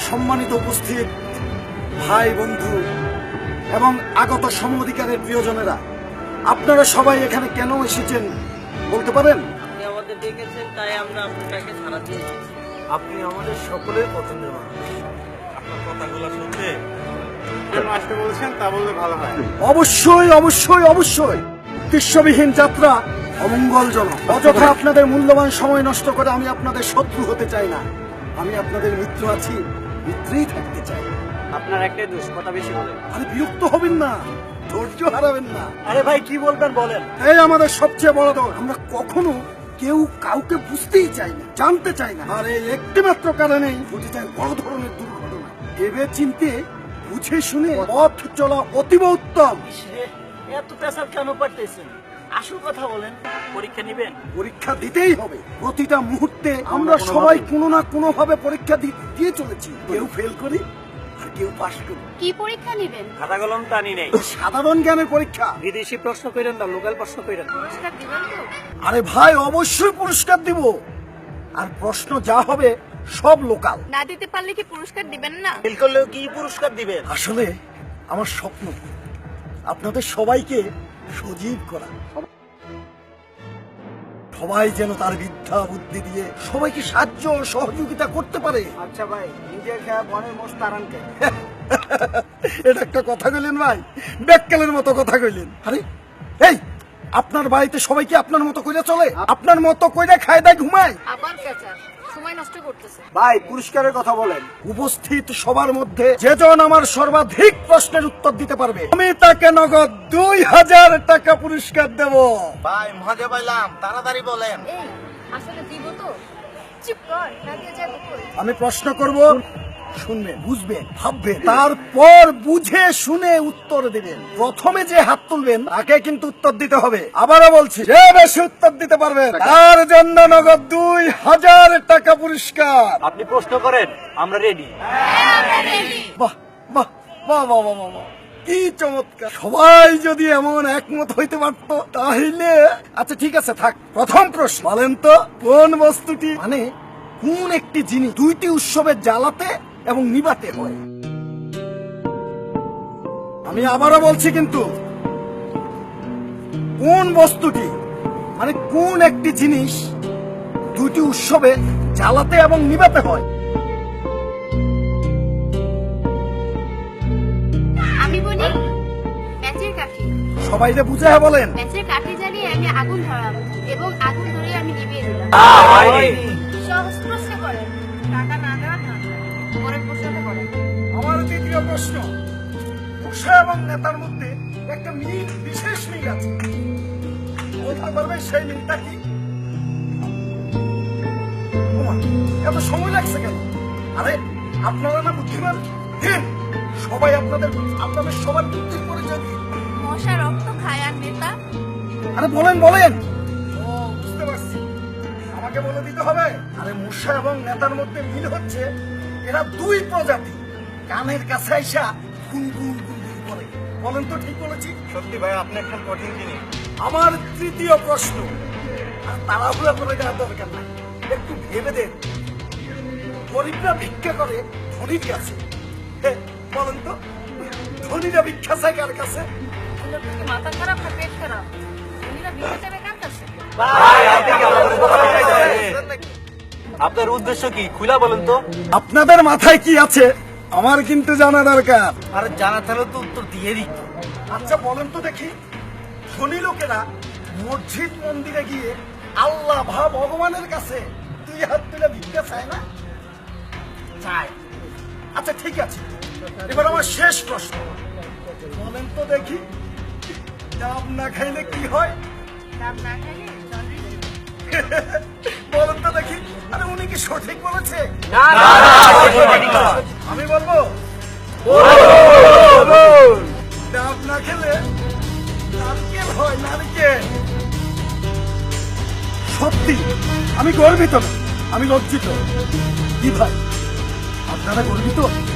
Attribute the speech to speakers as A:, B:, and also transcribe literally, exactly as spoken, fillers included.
A: সম্মানিত উপস্থিত ভাই বন্ধু এবং আগত সম অধিকারের প্রিয়জনেরা, আপনারা সবাই এখানে কেন এসেছেন বলতে পারেন?
B: আপনি আমাদের ডেকেছেন, তাই আমরা আপনাকে সাড়া দিয়েছি।
C: আপনি আমাদের সকলের পছন্দের মানুষ। আপনার কথাগুলো শুনতে কেন আসতে বলছেন তা বললে ভালো হয়।
A: অবশ্যই অবশ্যই অবশ্যই উদ্দেশ্যবিহীন যাত্রা অমঙ্গলজনক। অযথা আপনাদের মূল্যবান সময় নষ্ট করে আমি আপনাদের শত্রু হতে চাই না। আমি আপনাদের মিত্র আছি, মিত্রেই থাকতে চাই।
C: আপনার একটাই দোষ, কথা বেশি বলেন।
A: আরে বিরক্ত হবেন না, ধৈর্য হারাবেন না।
C: আরে ভাই কি বলবেন বলেন।
A: এই আমাদের সবচেয়ে বড় দোষ, আমরা কখনো কেউ কাউকে বুঝতেই চাই না, জানতে চাই না। আর এই একটি মাত্র কারণেই ঘটে যায় বড় ধরনের দুর্ঘটনা। ভেবে চিনতে বুঝে শুনে পথ চলা অতীব উত্তম।
C: এত পেশাব কেন পারতেছেন? আসল কথা বলেন। পরীক্ষা নেবেন?
A: পরীক্ষা দিতেই হবে। প্রতিটা মুহূর্তে আমরা সবাই কোনো না কোনো ভাবে পরীক্ষা দি- দিয়ে চলেছি। কেউ ফেল করি আর কেউ পাশ করি।
D: কি পরীক্ষা নেবেন?
C: খাতা কলম টানি নেই।
A: সাধারণ জ্ঞানের পরীক্ষা।
C: বিদেশি প্রশ্ন করেন না, লোকাল প্রশ্ন করেন।
D: পুরস্কার দিবেন তো?
A: আরে ভাই, অবশ্যই পুরস্কার দিব। আর প্রশ্ন যা হবে সব লোকাল।
D: না দিতে পারলে কি পুরস্কার দিবেন না?
C: ফেল করলেও কি পুরস্কার দিবেন?
A: আসলে আমার স্বপ্ন আপনাদের সবাইকে সজীব করা, সবাই যেন তার বিদ্যা বুদ্ধি দিয়ে সবাইকে সাহায্য ও সহযোগিতা করতে পারে।
C: আচ্ছা ভাই, নিজের খেয়া বনের মোষ তারান কে?
A: এটা একটা কথা কইলেন ভাই, বেক্কেলের মতো কথা কইলেন। আরে এই, আপনার বাড়িতে সবাইকে আপনার মতো কইরা চলে? আপনার মতো কইরা খায় দায় ঘুমায়?
D: আবার পেঁচা সময় নষ্ট করতেছে।
A: ভাই পুরস্কারের কথা বলেন। উপস্থিত সবার মধ্যে যেজন আমার সর্বাধিক প্রশ্নের উত্তর দিতে পারবে আমি তাকে নগদ দুই হাজার টাকা পুরস্কার দেব।
C: ভাই মজা পাইলাম, তাড়াতাড়ি বলেন।
D: এই আসলে দিব তো? চুপ কর, না দিয়ে যাবো কই?
A: আমি প্রশ্ন করব, শুনবেন, বুঝবেন, ভাববেন, তারপর বুঝে শুনে উত্তর দিবেন। প্রথমে যে হাত তুলবেন তাকে কিন্তু উত্তর দিতে হবে। আবারও বলছি, যে বেশি উত্তর দিতে পারবেন তার জন্য নগদ দুই হাজার টাকা পুরস্কার।
C: আপনি প্রশ্ন করেন, আমরা রেডি।
A: বাহ বাহ বাহ বাহ বাহ বাহ বাহ। কি চমৎকার! সবাই যদি এমন একমত হইতে পারত তাহলে আচ্ছা ঠিক আছে, থাক। প্রথম প্রশ্ন বলেন তো, কোন বস্তুটি মানে কোন একটি জিনিস দুইটি উৎসবে জ্বালাতে এবং নিবাতে হয়? আমি আবারও বলছি কিন্তু, কোন বস্তুটি মানে কোন একটি জিনিস দুইটি উৎসবে জ্বালাতে এবং নিবাতে হয়?
D: আমি বলি ম্যাচের কাঠি।
A: সবাই যে বুঝে বলেন।
D: ম্যাচের কাঠি জ্বালিয়ে আমি আগুন ধরালাম এবং আগুন ধরিয়ে আমি নিভিয়ে দিলাম। সহজ প্রশ্ন করেন, টাকা না দেওয়ার না। পরের প্রশ্নটা করেন।
A: আমার দ্বিতীয় প্রশ্ন, উষা এবং নেতার মধ্যে একটা মিল, বিশেষ মিল আছে। বলতে পারবে সেই মিলটা কি? ওমা, এত সময় লাগছে কেন? আরে আপনারা না বুদ্ধিমান, দিন সবাই আপনাদের আপনাদের সবার বুদ্ধির পরিচয় দিন।
D: মশা রক্ত খায় আর নেতা?
A: আরে বলেন বলেন। ও বুঝতে পারছি, আমাকে বলে দিতে হবে। আরে মূষা এবং নেতার মধ্যে মিল হচ্ছে এরা দুই প্রজাতি, কানের কাছে আইসা গুনগুন গুনগুন করে। বলেন তো ঠিক বলেছি?
C: সত্যি ভাই, আপনি একটা কঠিন জিনিস।
A: আমার তৃতীয় প্রশ্ন, আর তাড়াহুড়া করে যাওয়ার দরকার নাই, একটু ভেবে দেন। গরিবরা ভিক্ষা করে ধনীর কাছে। হে, বলেন তো, ধনীরা ভিক্ষা চায় কার কাছে?
D: ওদের কি মাথা খারাপ না পেট খারাপ? উনিরা ভিক্ষা চাবে কার কাছে?
C: ভাই আপনি কি আমাদের কথা বলছেন? আপনার উদ্দেশ্য কি খুলা বলেন তো?
A: আপনাদের মাথায় কি আছে আমার কিন্তু জানা দরকার।
C: আর জানা থাকলে তো উত্তর দিয়ে দিত।
A: আচ্ছা বলেন তো দেখি, ধনী লোকেরা মসজিদ মন্দিরে গিয়ে আল্লাহ ভা ভগবানের কাছে দুই হাত তুলে ভিক্ষা চায় না? চায়। আচ্ছা ঠিক আছে, এবার আমার শেষ প্রশ্ন, বলেন তো দেখি, ডাব না খাইলে কি হয়?
D: ডাব না খাইলে জন্ডিস।
A: বলেন তো দেখি। আরে উনি কি সঠিক বলেছে? আমি বলবো, ডাব না খেলে নারকেল হয়, নারকেল। সত্যি আমি গর্বিত না, আমি লজ্জিত। কি ভাই, আপনারা গর্বিত?